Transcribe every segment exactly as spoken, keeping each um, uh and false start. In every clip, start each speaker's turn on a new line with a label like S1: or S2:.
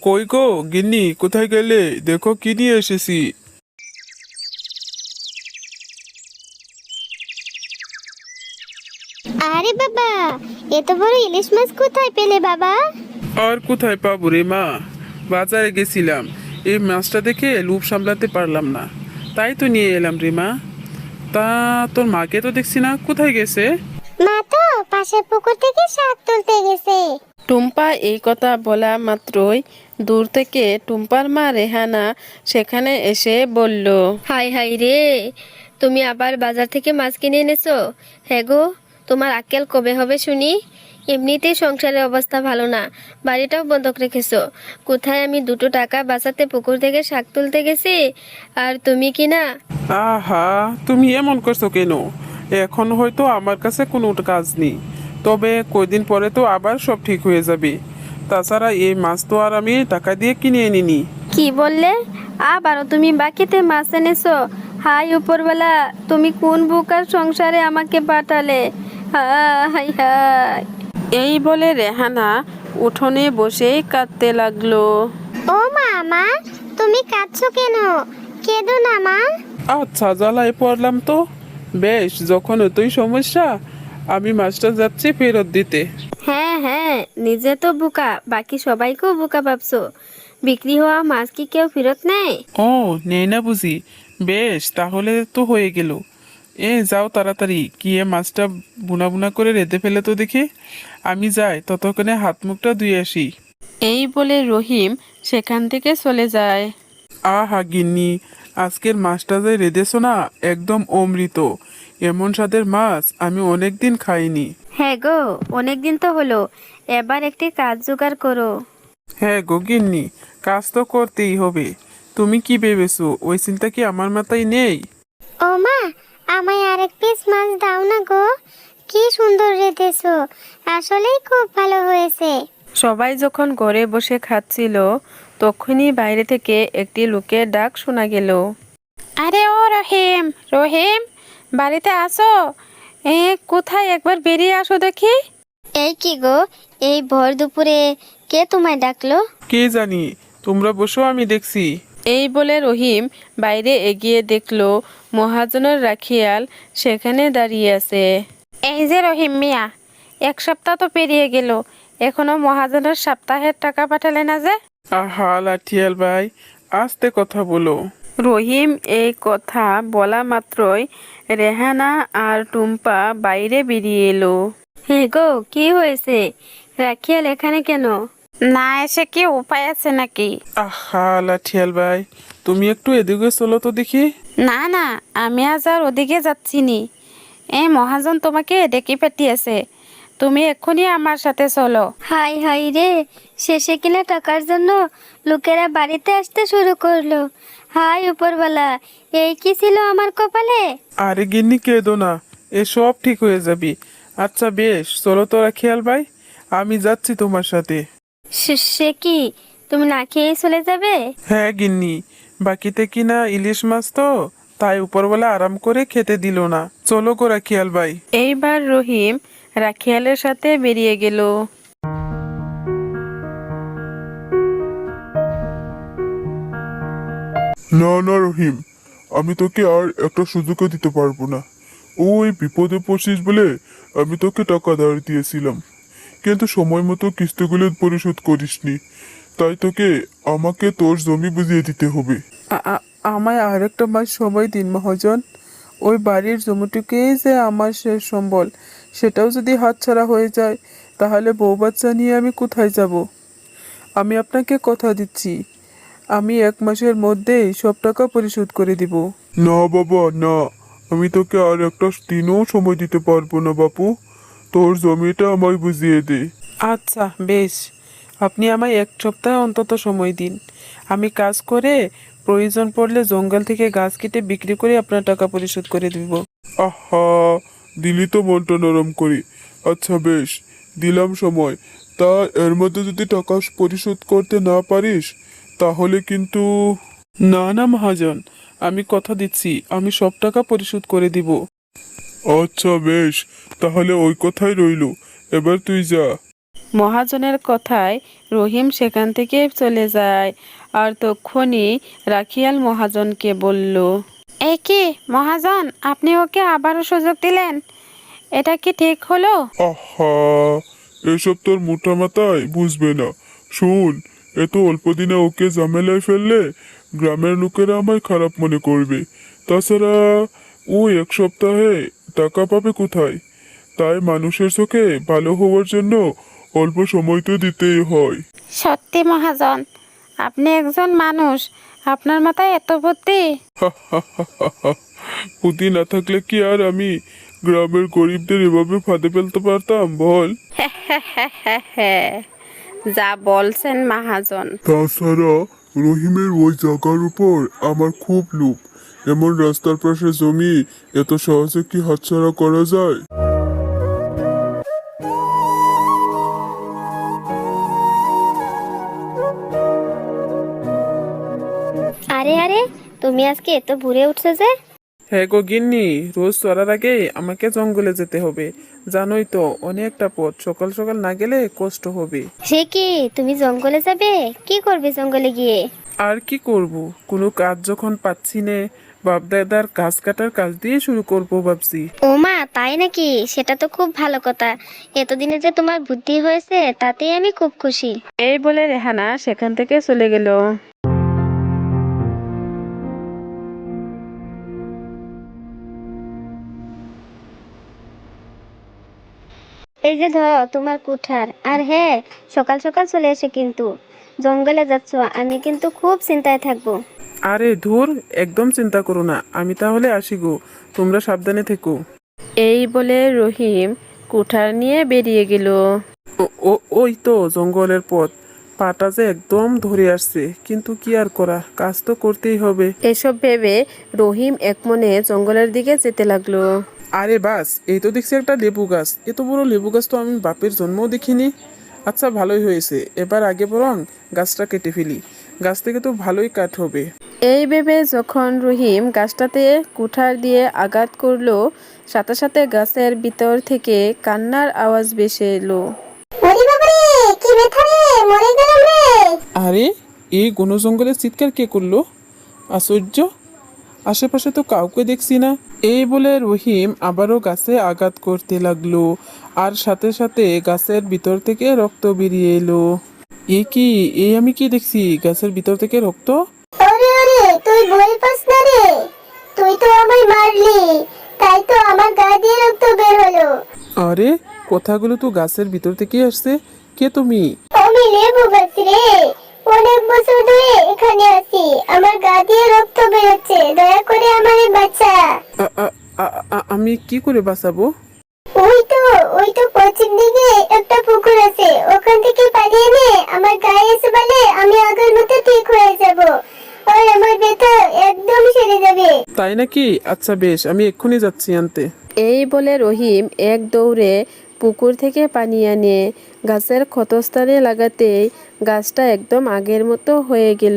S1: কই গো গিন্নি, কোথায় গেলে? দেখো কি নিয়ে এসেছি।
S2: আরে বাবা, এত বড় ইলিশ মাছ কোথায় পেলে বাবা?
S1: আর কোথায় পাবো রে মা, বাজারে গেছিলাম। এই মাছটা দেখে লোভ সামলাতে পারলাম না, তাই তো নিয়ে এলাম রে মা। তা তোর মাকে তো দেখছি না, কোথায় গেছে?
S2: মা তো পাশের পুকুর থেকে শাক তুলতে গেছে।
S3: টুম্পা এই কথা বলা মাত্রই দূর থেকে টুম্পার মা রেহানা সেখানে এসে বলল,
S4: হাই হাই রে, তুমি আবার বাজার থেকে মাছ কিনে এনেছো? হ্যাঁ গো, তোমার আক্কেল কবে হবে শুনি? এমনিতেই সংসারের অবস্থা ভালো না, বাড়িটাও বন্ধক রেখেছো। কোথায় আমি দুটো টাকা বাঁচাতে পুকুর থেকে শাক তুলতে গেছি, আর তুমি কি না?
S1: আহা, তুমি এমন করছো কেন? এখন হয়তো আমার কাছে কোনো কাজ নেই, তবে কয়দিন পরে তো আবার সব ঠিক হয়ে যাবে। তাছাড়া এই মাছ তো আর আমি টাকা দিয়ে কিনে আনিনি।
S4: কি বললে? আবারও তুমি বাকিতে মাছ এনেছো? হাই উপরবেলা, তুমি কোন বুকার সংসারে আমাকে পাঠালে? হাই হাই।
S3: এই বলে রেহানা উঠোনে বসেই কাঁদতে লাগলো।
S2: ও মা, মা তুমি কাঁদছো কেন? কেঁদো না মা।
S1: আচ্ছা, জ্বালায় পড়লাম তো। বেশ, যখন এতই সমস্যা, আমি মাছটা যাচ্ছি ফেরত দিতে।
S4: হ্যাঁ হ্যাঁ, নিজে তো বোকা, বাকি সবাইকেও বোকা ভাবছো। বিক্রি হওয়া মাছ কি কেউ ফেরত নেয়?
S1: ও, নেই না বুঝি? বেশ, তাহলে তো হয়ে গেল। এ যাও তাড়াতাড়ি গিয়ে মাছটা বুনা বুনা করে রেঁধে ফেলে তো দেখি। আমি যাই, ততক্ষণে হাত মুখটা ধুয়ে আসি।
S3: এই বলে রহিম সেখান থেকে চলে যায়।
S1: আহা গিন্নি, আজকের মাছটা যে রেঁধেছো না, একদম অমৃত। এমন স্বাদের মাছ আমি অনেক দিন খাইনি।
S4: হ্যাঁ গো, অনেকদিন তো হলো, এবার একটি কাজ জোগাড় করো।
S1: হ্যাঁ গো গিন্নি, কাজ তো করতেই হবে। তুমি কি ভেবেছো, ওই চিন্তা কি আমার মাথায় নেই?
S2: ও মা, আমায় আরেক পিস মাছ দাও না গো। কি সুন্দর রেঁধেছো, আসলেই খুব ভালো হয়েছে।
S3: সবাই যখন ঘরে বসে খাচ্ছিল, তখনই বাইরে থেকে একটি লোকের ডাক শোনা গেল। আরে ও রহিম, রহিম, বাড়িতে আসো। এ কোথায়, একবার বেরিয়ে আসো দেখি।
S2: এই কি গো, এই ভর দুপুরে কে তোমায় ডাকলো?
S1: কে জানি, তোমরা বসো, আমি দেখছি।
S3: এই বলে রহিম বাইরে এগিয়ে দেখলো মহাজনের রাখিয়াল সেখানে দাঁড়িয়ে আছে। এই যে রহিম মিয়া, এক সপ্তাহ তো পেরিয়ে গেল, এখনো মহাজনের সপ্তাহের টাকা পাঠালে না যে?
S1: আহা লাঠিয়াল ভাই, আস্তে কথা বলো।
S3: রহিম এই কথা বলা মাত্রই রেহানা আর টুম্পা বাইরে বেরিয়ে এলো।
S4: হ্যাঁ গো, কি হয়েছে? রাখিয়াল এখানে কেন?
S3: না এসে কি উপায় আছে নাকি?
S1: আহা লাঠিয়াল ভাই, তুমি একটু এদিকে চলো তো দেখি।
S3: না না, আমি আজ আর ওদিকে যাচ্ছি নি। এই মহাজন তোমাকে ডেকে পাঠিয়েছে, তুমি এক্ষুনি আমার সাথে চলো।
S2: হাই হাই রে, শেষে কিনা টাকার জন্য লোকেরা বাড়িতে আসতে শুরু করলো। হাই উপরওয়ালা, এই কি ছিল আমার কপালে?
S1: আরে গিন্নি, কেঁদো না, এ সব ঠিক হয়ে যাবে। আচ্ছা বেশ, চলো তো রাখিয়াল ভাই, আমি যাচ্ছি তোমার সাথে।
S4: সে- সে কি, তুমি না খেয়েই চলে যাবে?
S1: হ্যাঁ গিন্নি, বাকিতে কিনা ইলিশ মাছ তো, তাই উপরবেলা আরাম করে খেতে দিল না। চলো গো রাখিয়াল ভাই।
S3: এইবার রহিম রাখিয়ালের সাথে বেরিয়ে গেল।
S5: না না রহিম, আমি তোকে আর একটা সুযোগও দিতে পারবো না। ওই বিপদে পড়ছিস বলে আমি তোকে টাকা ধার দিয়েছিলাম, কিন্তু সময় মতো কিস্তিগুলো পরিশোধ করিসনি, তাই তোকে আমাকে তোর জমি বুঝিয়ে দিতে হবে।
S1: আ- আ- আমায় আর একটা মাস সময় দিন মহাজন। ওই বাড়ির জমিটুকুই যে আমার শেষ সম্বল, সেটাও যদি হাতছাড়া হয়ে যায়, তাহলে বউ বাচ্চা নিয়ে আমি কোথায় যাব? আমি আপনাকে কথা দিচ্ছি, আমি এক মাসের মধ্যেই সব টাকা পরিশোধ করে দিব।
S5: না বাবা না, আমি তোকে আর একটা দিনও সময় দিতে পারবো না বাপু, তোর জমিটা আমায় বুঝিয়ে দে।
S1: আচ্ছা বেশ, আপনি আমায় এক সপ্তাহ অন্তত সময় দিন। আমি কাজ করে প্রয়োজন পড়লে জঙ্গল থেকে গাছ কেটে বিক্রি করে আপনার টাকা পরিশোধ করে দিব।
S5: আহা, দিলি তো মনটা নরম করি। আচ্ছা বেশ, দিলাম সময়। তা এর মধ্যে যদি টাকা পরিশোধ করতে না পারিস, তাহলে কিন্তু।
S1: না না মহাজন, আমি কথা দিচ্ছি, আমি সব টাকা পরিশোধ করে দিব।
S5: আচ্ছা বেশ, তাহলে ওই কথাই রইলো, এবার তুই যা।
S3: মহাজনের কথায় রহিম সেখান থেকে চলে যায়। আর তক্ষুনি রাখিয়াল মহাজনকে বলল, এই কি মহাজন, আপনি ওকে আবারও সুযোগ দিলেন, এটা কি ঠিক হলো?
S5: আহা, এসব তোর মোটা মাথায় বুঝবে না। শোন, এত অল্প দিনে ওকে ঝামেলায় ফেললে গ্রামের লোকেরা আমায় খারাপ মনে করবে। তাছাড়া ও এক সপ্তাহে টাকা পাবে কোথায়? তাই মানুষের চোখে ভালো হওয়ার জন্য অল্প সময় তো দিতেই হয়।
S3: সত্যি মহাজন, আপনি একজন মানুষ, আপনার মাথায় এত বুদ্ধি।
S5: বুদ্ধি না থাকলে কি আর আমি গ্রামের গরিবদের এভাবে ফাঁদে ফেলতে পারতাম বল?
S3: যা বলছেন মহাজন।
S5: তাছাড়া রহিমের ওই জায়গার উপর আমার খুব লোভ। এমন রাস্তার পাশে জমি এত সহজে কি হাতছাড়া করা যায়?
S2: আরে আরে, তুমি আজকে এত ভোরে উঠছো যে?
S1: হ্যাঁ গো গিন্নি, রোজ চড়ার আগে আমাকে জঙ্গলে যেতে হবে। জানোই তো অনেকটা পথ, সকাল সকাল না গেলে কষ্ট হবে।
S2: সে কি, তুমি জঙ্গলে যাবে? কি করবে জঙ্গলে গিয়ে?
S1: আর কি করব, কোনো কাজ যখন পাচ্ছি নে, বাপ দাদার গাছ কাটার কাজ দিয়ে শুরু করব ভাবছি।
S2: ও মা, তাই নাকি? সেটা তো খুব ভালো কথা। এতদিনে যে তোমার বুদ্ধি হয়েছে তাতেই আমি খুব খুশি।
S3: এই বলে রেহানা সেখান থেকে চলে গেল।
S2: এই যে ধরো তোমার কুঠার। আর হ্যাঁ, সকাল সকাল চলে এসে কিন্তু জঙ্গলে যাচ্ছ, আমি কিন্তু খুব চিন্তায় থাকবো।
S1: আরে ধুর, একদম চিন্তা করো না, আমি তাহলে আসি গো, তোমরা সাবধানে থেকো।
S3: এই বলে রহিম কুঠার নিয়ে বেরিয়ে গেল।
S1: ও ও ওই তো জঙ্গলের পথ, পাটা যে একদম ধরে আসছে, কিন্তু কি আর করা, কাজ তো করতেই হবে।
S3: এসব ভেবে রহিম একমনে জঙ্গলের দিকে যেতে লাগলো।
S1: আরে বাস, এই তো দেখছি একটা লেবু গাছ। এত বড় লেবু গাছ তো আমি বাপের জন্মও দেখিনি। আচ্ছা, ভালোই হয়েছে, এবার আগে বরং গাছটা কেটে ফেলি, গাছ থেকে তো ভালোই কাঠ হবে।
S3: এই ভেবে যখন রহিম গাছটাতে কুঠার দিয়ে আঘাত করলো, সাথে সাথে গাছের ভিতর থেকে কান্নার আওয়াজ ভেসে এলো।
S2: ওরে বাবা রে, কি ব্যথা রে, মরে গেলাম রে।
S1: আরে, এই ঘন জঙ্গলে চিৎকার কে করলো? আশ্চর্য, আশেপাশে তো কাউকে দেখছি না। এই বলে রহিম আবারও গাছে আঘাত করতে লাগলো, আর সাথে সাথে গাছের ভিতর থেকে রক্ত বেরিয়ে এলো। এ কি, এই আমি কি দেখছি, গাছের ভিতর থেকে রক্ত?
S2: ওরে ওরে, তুই ভয় পাস না রে, তুই তো আমায় মারলি, তাই তো আমার গা দিয়ে রক্ত বের হলো।
S1: আরে, কথাগুলো তো গাছের ভিতর থেকে আসছে। কে তুমি?
S2: আমি লেবু গাছ রে, অনেক বছর ধরে এখানে আছি, আমার গা দিয়ে রক্ত বেরোচ্ছে, দয়া করে আমারে বাঁচা।
S1: আ- আ- আ- আ- আমি কি করে বাঁচাবো?
S2: ওই তো, ওই তো পশ্চিম দিকে একটা পুকুর আছে, ওখান থেকে পানি এনে আমার গায়ে এসে বলে আমি আগের মতো ঠিক হয়ে যাব, আর আমার ব্যথা একদম সেরে যাবে।
S1: তাই নাকি? আচ্ছা বেশ, আমি এক্ষুনি যাচ্ছি আনতে।
S3: এই বলে রহিম এক দৌড়ে পুকুর থেকে পানি আনে গাছের ক্ষতস্থানে লাগাতেই গাছটা একদম আগের মতো হয়ে গেল।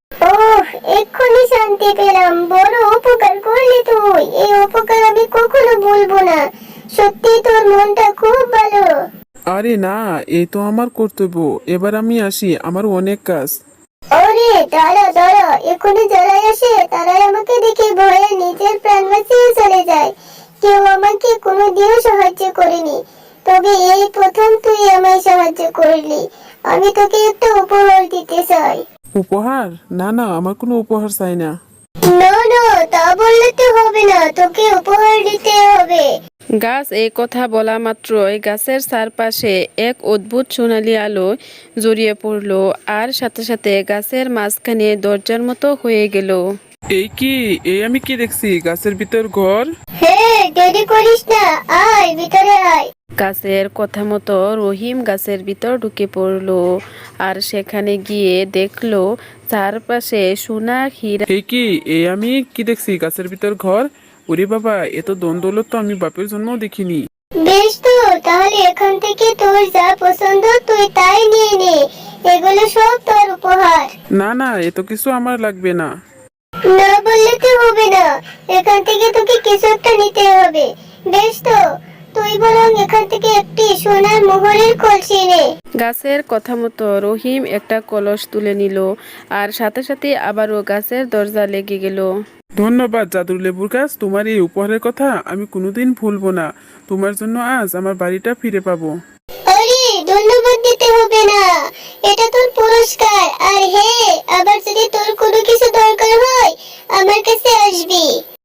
S2: ওহ, এক্ষুনি শান্তি পেলাম, বড় উপকার করলি তুই, এই উপকার আমি কখনো ভুলবো না, সত্যি তোর মনটা খুব ভালো।
S1: আরে না, এই তো আমার কর্তব্য, এবার আমি আসি, আমার অনেক কাজ।
S2: ওরে দাঁড়া দাঁড়া, এখনই যারাই আসে তারাই আমাকে দেখে ভয়ে নিজের প্রাণ বাঁচিয়ে চলে যায়, কেউ আমাকে কোনোদিনও সাহায্য করেনি, তবে এই প্রথম তুই আমায় সাহায্য করলি, আমি তোকে একটা উপহার দিতে চাই।
S1: উপহার? না না, আমার কোনো উপহার চাই না।
S2: না না, তা বললে তো হবে না, তোকে উপহার দিতে হবে।
S3: গাছ এই কথা বলা মাত্রই গাছের চারপাশে এক অদ্ভুত সোনালি আলো জড়িয়ে পড়ল, আর সাথে সাথে গাছের মাঝখানে দরজার মতো হয়ে গেল।
S1: এই কি, এই আমি কি দেখছি, গাছের ভিতর ঘর?
S2: হ্যাঁ, দেরি করিস না, আয় ভিতরে আয়।
S3: গাছের কথা মতো রহিম গাছের ভিতর ঢুকে পড়লো, আর সেখানে গিয়ে দেখলো চারপাশে সোনা হীরা।
S1: এই কি, এই আমি কি দেখছি, গাছের ভিতর ঘর? ওরে বাবা, এত দ্বন্দ্বলত তো আমি বাপের জন্মও দেখিনি।
S2: বেশ তো, তাহলে এখান থেকে তোর যা পছন্দ তুই তাই নিয়ে নে, এগুলো সব তোর উপহার।
S1: না না, এত কিছু আমার লাগবে না।
S2: না বললে তো হবে না, এখান থেকে তোকে কিছু একটা নিতে হবে। বেশ তো, তুই বরং এখান থেকে একটি সোনার মোহরের কলসি নে।
S3: গাছের কথা মতো রহিম একটা কলস তুলে নিল আর সাথে সাথে আবারও গাছের দরজা লেগে গেল।
S1: ধন্যবাদ জাদুর লেবুর গাছ, তোমার এই উপহারের কথা আমি কোনোদিন ভুলবো না। তোমার জন্য আজ আমার বাড়িটা ফিরে পাবো।
S2: আরে ধন্যবাদ দিতে হবে না, এটা তোর পুরস্কার। আর হ্যাঁ, আবার যদি তোর কোনো কিছু দরকার হয় আমার কাছে আসবি।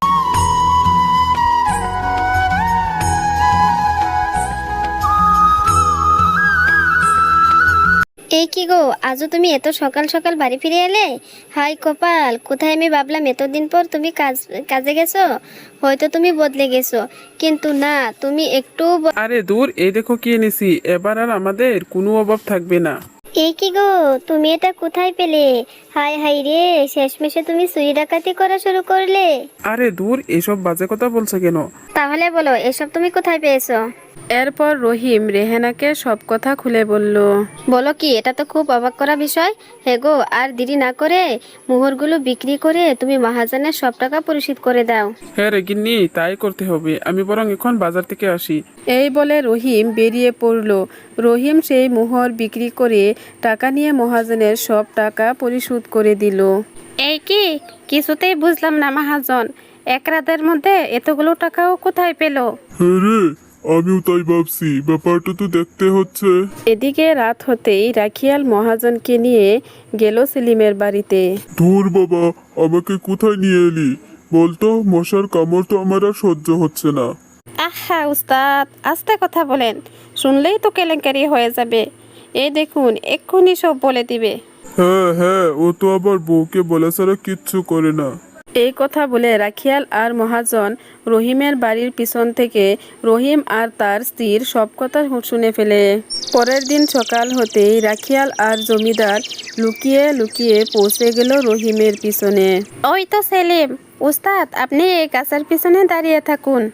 S4: এই কি গো, আজও তুমি এত সকাল সকাল বাড়ি ফিরে এলে? হাই কপাল, কোথায় আমি ভাবলাম এতদিন পর তুমি কাজ কাজে গেছো, হয়তো তুমি বদলে গেছো, কিন্তু না, তুমি একটু ব-
S1: আরে দূর, এই দেখো কি এনেছি, এবার আর আমাদের কোনো অভাব থাকবে না।
S4: এই কি গো, তুমি এটা কোথায় পেলে? হাই হাই রে, শেষমেশে তুমি চুরি ডাকাতি করা শুরু করলে।
S1: আরে দূর, এসব বাজে কথা বলছো কেন?
S4: তাহলে বলো, এসব তুমি কোথায় পেয়েছো?
S3: এরপর রহিম রেহানাকে সব কথা খুলে বলল।
S4: বলো কি, এটা তো খুব অবাক করা বিষয়। হে গো, আর দেরি না করে মোহরগুলো বিক্রি করে তুমি মহাজনের সব টাকা পরিশোধ করে দাও।
S1: হ্যাঁ রে গিন্নি, তাই করতে হবে। আমি বরং এখন বাজার থেকে আসি।
S3: এই বলে রহিম বেরিয়ে পড়ল। রহিম সেই মোহর বিক্রি করে টাকা নিয়ে মহাজনের সব টাকা পরিশোধ করে দিল। এই কি, কিছুতেই বুঝলাম না মহাজন, এক রাতের মধ্যে এতগুলো টাকাও কোথায় পেল?
S5: হ্যাঁ রে, আমিও তাই ভাবছি, ব্যাপারটা তো দেখতে হচ্ছে।
S3: এদিকে রাত হতেই রাখিয়াল মহাজনকে নিয়ে গেল সেলিমের বাড়িতে।
S5: ধুর বাবা, আমাকে কোথায় নিয়ে এলি বলতো? মশার কামড় তো আমার আর সহ্য হচ্ছে না।
S3: আহা উস্তাদ, আস্তে কথা বলেন, শুনলেই তো কেলেঙ্কারি হয়ে যাবে। এই দেখুন, এক্ষুনি সব বলে দিবে।
S5: হ্যাঁ হ্যাঁ, ও তো আবার বউকে বলা ছাড়া কিচ্ছু করে না।
S3: এই কথা বলে রাখিয়াল আর মহাজন রহিমের বাড়ির পিছন থেকে রহিম আর তার স্ত্রীর সব কথা শুনে ফেলে। পরের দিন সকাল হতেই রাখিয়াল আর জমিদার লুকিয়ে লুকিয়ে পৌঁছে গেল রহিমের পিছনে। ওই তো সেলিম, উস্তাদ আপনি এই গাছের পিছনে দাঁড়িয়ে থাকুন।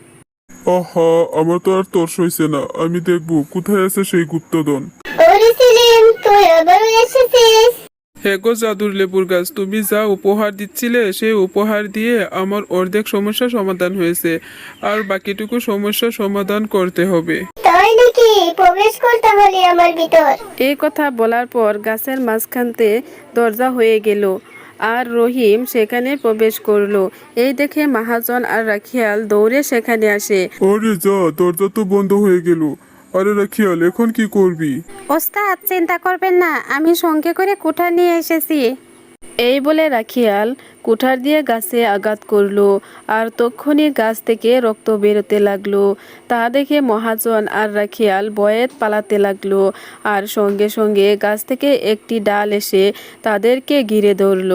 S5: আহা, আমার তো আর তর্স হইছে না, আমি দেখবো কোথায় আছে সেই গুপ্তধন।
S2: ওরে সেলিম, তুই আবারও এসেছিস?
S1: হে গো জাদুর লেবুর গাছ, তুমি যা উপহার দিচ্ছিলে সেই উপহার দিয়ে আমার অর্ধেক সমস্যা সমাধান হয়েছে, আর বাকিটুকু সমস্যা সমাধান করতে হবে।
S2: তাই নাকি? প্রবেশ কর তাহলে আমার ভিতর।
S3: এই কথা বলার পর গাছের মাঝখানতে দরজা হয়ে গেল আর রহিম সেখানে প্রবেশ করলো। এই দেখে মহাজন আর রাখিয়াল দৌড়ে সেখানে আসে।
S5: আরে যা, দরজা তো বন্ধ হয়ে গেল। আরে রাখিয়াল, এখন কি করবি?
S3: ওস্তাদ চিন্তা করবেন না, আমি সঙ্গে করে কুঠার নিয়ে এসেছি। এই বলে রাখিয়াল কুঠার দিয়ে গাছে আঘাত করলো আর তক্ষুনি গাছ থেকে রক্ত বেরোতে লাগলো। তা দেখে মহাজন আর রাখিয়াল ভয়ে পালাতে লাগলো আর সঙ্গে সঙ্গে গাছ থেকে একটি ডাল এসে তাদেরকে ঘিরে ধরলো।